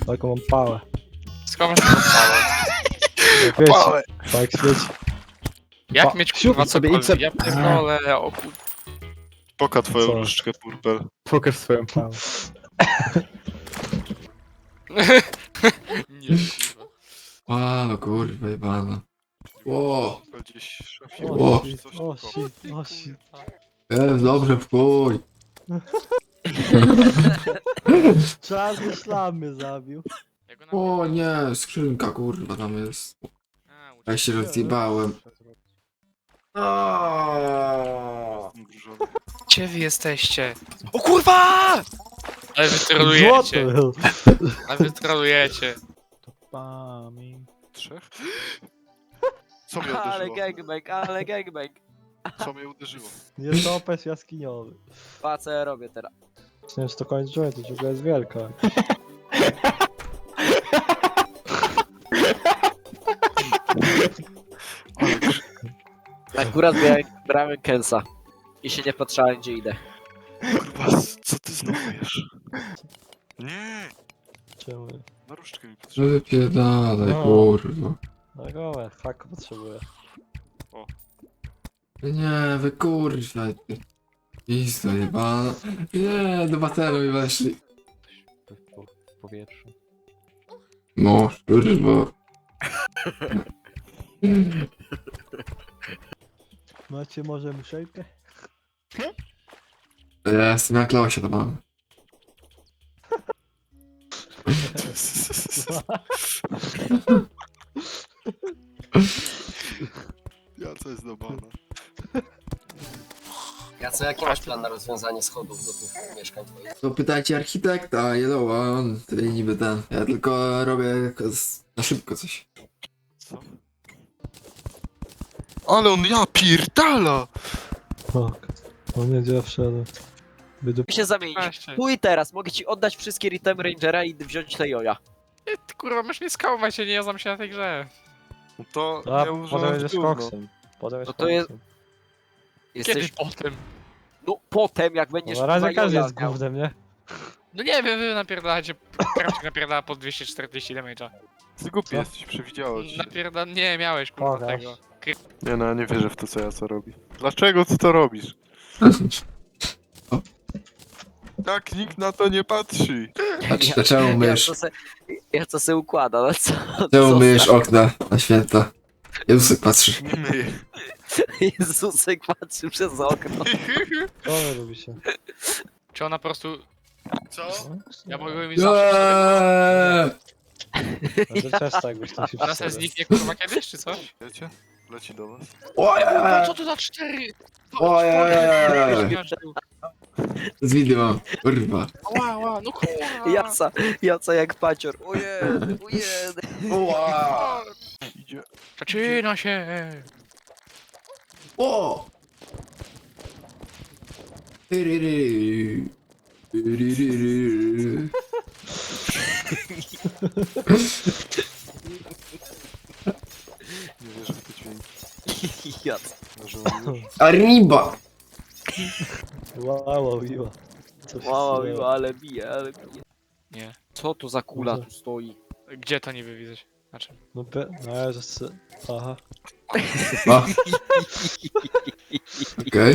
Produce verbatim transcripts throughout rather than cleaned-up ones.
Taką mam pałę. Skąd masz taką pałę? Jak wiecie, tak świeci. Jak Pa- mieć siup kurwa sobie i cokolwiek? cep- Ja pierdolę, o kur... Poka twoją Co? różdżkę, Purpel. Pokaż swoją pałę. Nie, kurwa. A, no kurwa, jebana. Ło, Purpel gdzieś w szafie. O, czy coś o, takiego. shit, o, shit. jest dobrze, w chuj. Czarny szlam mnie zabił. Jak go O nie, skrzynka kurwa tam jest. na... Ja się rozjebałem. Aaaa. Zmrużony. Gdzie wy jesteście? O kurwa! Ale wy trolujecie. Złoto! Ale wy trolujecie. Topami. Trzech? Co mnie Ale uderzyło? gangbang, ale gangbang. Co mnie uderzyło? Nie topesz jaskiniowy. Pa, co ja robię teraz? Nie wiem, czy to koniec jointu, to dziura jest wielka. Akurat miałem brałem Kensa. I się nie patrzałem, gdzie idę. Kurwa, co ty znowu jesz? Nie! Czemu? Na różdżkę mi No potrzeba. wypierdalaj, No. kurwa. No gołe, hak potrzebuję. Nie, wy kurwa. ty. Pizda jebana. Nie, do basenu mi weszli. Po, w powietrzu. No, kurwa. Macie może muszelkę? Ja jestem jak Leosia to mam. Ja co jest do bana. Ja co, jaki masz plan na rozwiązanie schodów do tych mieszkań twoich? To pytajcie architekta, Jeloła, on tutaj niby ten. Ja tylko robię jako z- na szybko coś. Co? Ale on ja pierdala! O, o nie, gdzie ja wszedłem. Wydu... Chcę się zamienić. Właśnie. Tu i teraz mogę ci oddać wszystkie Ritem Rangera i wziąć te joja. Ty, ty kurwa, masz mnie skałwać, ja nie znam się na tej grze. No to A, ja potem używam jedziesz gówno. koksem. Potem No jest to jest- koksem. Kiedy Jesteś... potem? No potem, jak będziesz No, na razie kurwa każdy joja jest miał. gównem, nie? No nie wiem, wy napierdalacie. Krawczyk napierdala po dwieście czterdzieści damage'a. Ty głupi Co? jesteś, przewidziało ci. Napierda... Nie, miałeś kurwa Pokaż. tego. Nie no, ja nie wierzę w to, co ja co robi. Dlaczego ty to robisz? Tak, nikt na to nie patrzy. A c- czemu Ja mysz? co se, ja co se układa, no co? Czemu co myjesz za- okna na święta? Jezusek patrzy. Nie myję. Jezusek patrzy przez okno. Co wy robicie? Czy ona po prostu... Co? Ja mogę mi zawsze... Eee! No to też tak byś tam się Ona se przesadł. zniknie kurwa kiedyś, czy coś? Wiecie? Leci do was. No Ojej! co to za cztery? Ojej! Z wideo, kurwa. Ła, ła, no kurwa. Jaca, jaca jak pacior. Ojej, ojej. Ła! Idzie. Zaczyna się. O! Tyryry. Tyryryry. Nie wierzę w te dźwięki. Jaca. Że on już... Arriba! Wow, miła. Co się Wow, stało? miło, ale bije, ale bije. Nie. Co to za kula tu stoi? Gdzie to niby widać? Na czym? No pe... No ja że se... Aha. A. Okej.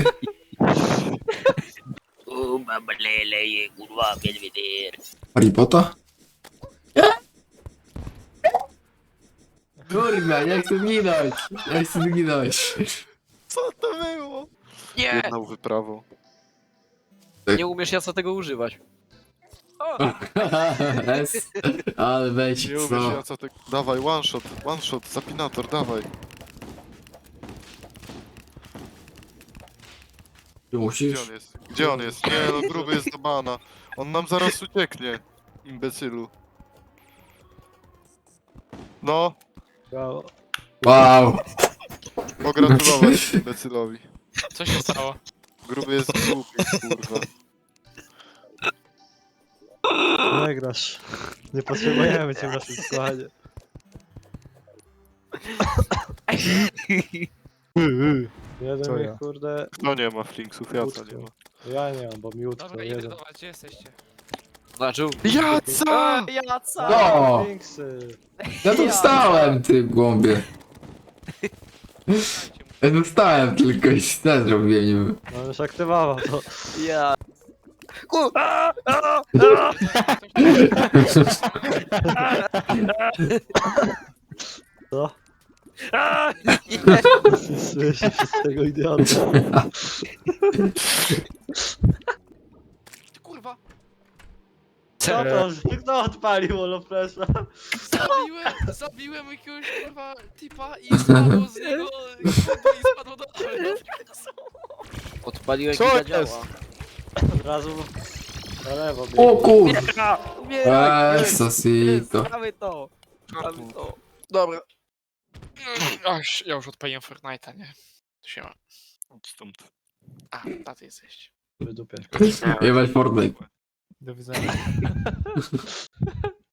O, mama lele, kurwa, Belvedere. Harry Potter? Kurwa, nie chcę zginąć! Nie chcę zginąć! Co to było? Nie! Jedną wyprawą. Nie umiesz Jaca tego używać. Es. Ale weź, Nie umiesz, co? ja co ty... Dawaj, one shot, one shot, zapinator, dawaj. Ty Gdzie musisz? on jest? Gdzie on jest? Nie no, gruby jest do bana. On nam zaraz ucieknie. Imbecylu. No, Brawo. Wow! pogratulować imbecylowi. Co się stało? Gruby jest głupi, kurwa. Nie grasz. Nie potrzebujemy cię w naszym składzie. Jeden Co mnie, ja? kurde... Kto nie ma flinksów? Ja co nie ma. Ja nie mam, bo miód to Dobra, idę jeden. do was, gdzie jesteście? Znaczył? Jaca! Ja co? No! Więksy. Ja tu wstałem, ty głąbie. Ja tu wstałem tylko i źle zrobiłem niby. No już aktywował to. Ja. Co? Słyszę się z tego idiota. Kurwa! Co to? Kto odpalił Holopressa? Zabiłem, zabiłem jakiegoś kurwa typa i spadło z niego kurwa i spadło do Odpaliłeś Co i jest? zadziała. Od razu na lewo O biegnie. kurwa! Umieraj! Esosito. Mamy to! Mamy to! Dobra. Ach, ja już odpaliłem Fortnite'a, nie? Tu się ma. Stąd. A, taty jesteś. Wydupię. Jebać Fortnite. Do widzenia.